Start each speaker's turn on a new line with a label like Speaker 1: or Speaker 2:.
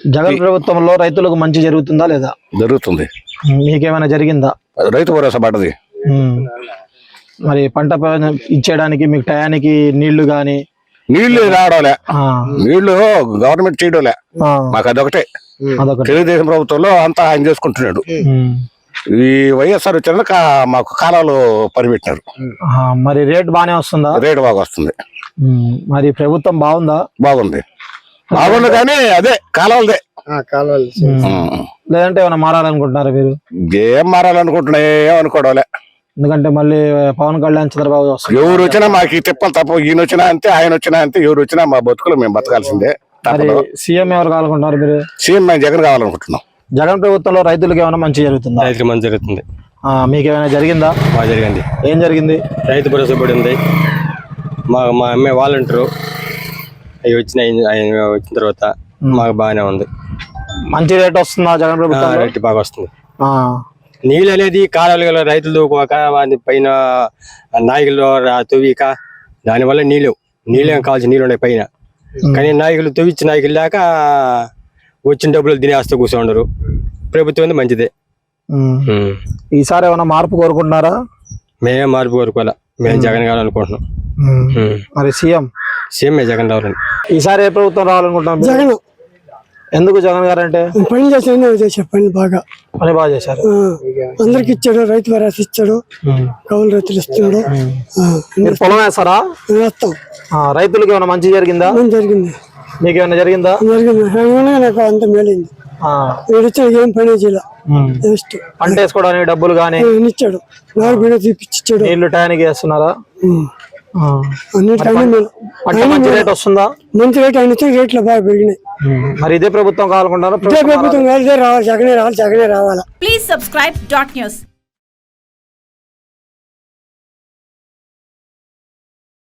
Speaker 1: జగన్ ప్రభుత్వంలో రైతులకు మంచి జరుగుతుందా లేదా?
Speaker 2: జరుగుతుంది.
Speaker 1: మీకేమైనా జరిగిందా?
Speaker 2: రైతు భరోసా పడ్డది.
Speaker 1: మరి పంట ఇచ్చేయడానికి మీకు టయానికి నీళ్లు గాని
Speaker 2: నీళ్లు రావడంలే, నీళ్లు గవర్నమెంట్ చేయడంలే, మాకు అదొకటే. తెలుగుదేశం ప్రభుత్వంలో అంతా ఆయన చేసుకుంటున్నాడు. ఈ వైఎస్ఆర్ వచ్చినాక మాకు కాలాలు పరిపెట్టినారు.
Speaker 1: మరి రేట్ బాగానే వస్తుందా?
Speaker 2: రేటు బాగా వస్తుంది.
Speaker 1: మరి ప్రభుత్వం బాగుందా?
Speaker 2: బాగుంది కానీ అదే కాలాలదే.
Speaker 1: లేదంటే ఏమైనా మారాలనుకుంటున్నారా మీరు?
Speaker 2: ఏం మారాలనుకుంటున్నా, ఏమనుకోవడంలే.
Speaker 1: ఎందుకంటే మళ్ళీ పవన్ కళ్యాణ్ చంద్రబాబు వస్తారు.
Speaker 2: ఎవరు వచ్చినా మాకు తిప్పలు తప్ప. ఈయన వచ్చినా అంతే, ఆయన వచ్చినా అంతే. ఎవరు వచ్చినా మా బతుకులు మేము బతకాల్సిందే.
Speaker 1: సీఎం ఎవరు కావాలనుకుంటున్నారు మీరు?
Speaker 2: సీఎం మేము జగన్ కావాలనుకుంటున్నాం.
Speaker 1: జగన్ ప్రభుత్వంలో రైతులకు ఏమైనా మంచి జరుగుతుందా?
Speaker 3: రైతులకు మంచి జరుగుతుంది.
Speaker 1: మీకు ఏమైనా జరిగిందా?
Speaker 3: బాగా జరిగింది.
Speaker 1: ఏం జరిగింది?
Speaker 3: రైతు భరోసా పడి ఉంది. మా అమ్మాయి వాలంటీరు అవి వచ్చిన తర్వాత మాకు బాగానే ఉంది.
Speaker 1: మంచి రేట్ వస్తుందా జగన్ ప్రభుత్వం?
Speaker 3: రేట్ బాగా వస్తుంది. నీళ్ళు అనేది కాలువలు రైతులు దూకోక పైన నాయకులు తవ్విక దానివల్ల నీళ్ళేం కావాల్సిన నీళ్ళు ఉన్నాయి పైన. కానీ నాయకులు తవ్విచ్చిన నాయకులు లేక వచ్చిన డబ్బులు తినేస్తూ కూర్చోండరు. ప్రభుత్వం మంచిదే.
Speaker 1: ఈసారి ఏమైనా మార్పు కోరుకుంటున్నారా?
Speaker 3: మేమే మార్పు కోరుకోవాలా, మేము జగన్ కావాలనుకుంటున్నాం.
Speaker 1: మరి సీఎం
Speaker 3: జగన్ రావాలని.
Speaker 1: ఈసారి ఏ ప్రభుత్వం రావాలనుకుంటున్నాం?
Speaker 4: జగన్.
Speaker 1: ఎందుకు జగన్ గారు అంటే?
Speaker 4: పని చేశాను, పని బాగా చేశారు. అందరికి ఇచ్చాడు, రైతు భరోసా ఇచ్చాడు, కౌలు రైతులు ఇస్తున్నాడు.
Speaker 1: మీరు పొలం వేస్తారా?
Speaker 4: వేస్తాం.
Speaker 1: రైతులకు ఏమైనా మంచి జరిగిందా?
Speaker 4: జరిగింది.
Speaker 1: మీకు ఏమైనా జరిగిందా?
Speaker 4: జరిగింది. నాకు అంత మేలైంది. ఇచ్చాడు, ఏం పని చేయాలి.
Speaker 1: పంట వేసుకోవడానికి డబ్బులు గానీ
Speaker 4: ఇచ్చాడు, నాకు బిడ్డ తీపిచ్చాడు.
Speaker 1: నీళ్లు టయానికి వేస్తున్నారా?
Speaker 4: మంచి
Speaker 1: రేట్ వస్తుందా?
Speaker 4: మంచి రేట్ ఆయన ఇచ్చే రేట్లు బాగా పెరిగినాయి.
Speaker 1: మరి ఇదే ప్రభుత్వం కావాలనుకుంటారా?
Speaker 4: ఇదే ప్రభుత్వం కావాలి, రావాలి, జగనే రావాలి.
Speaker 5: Please subscribe .news.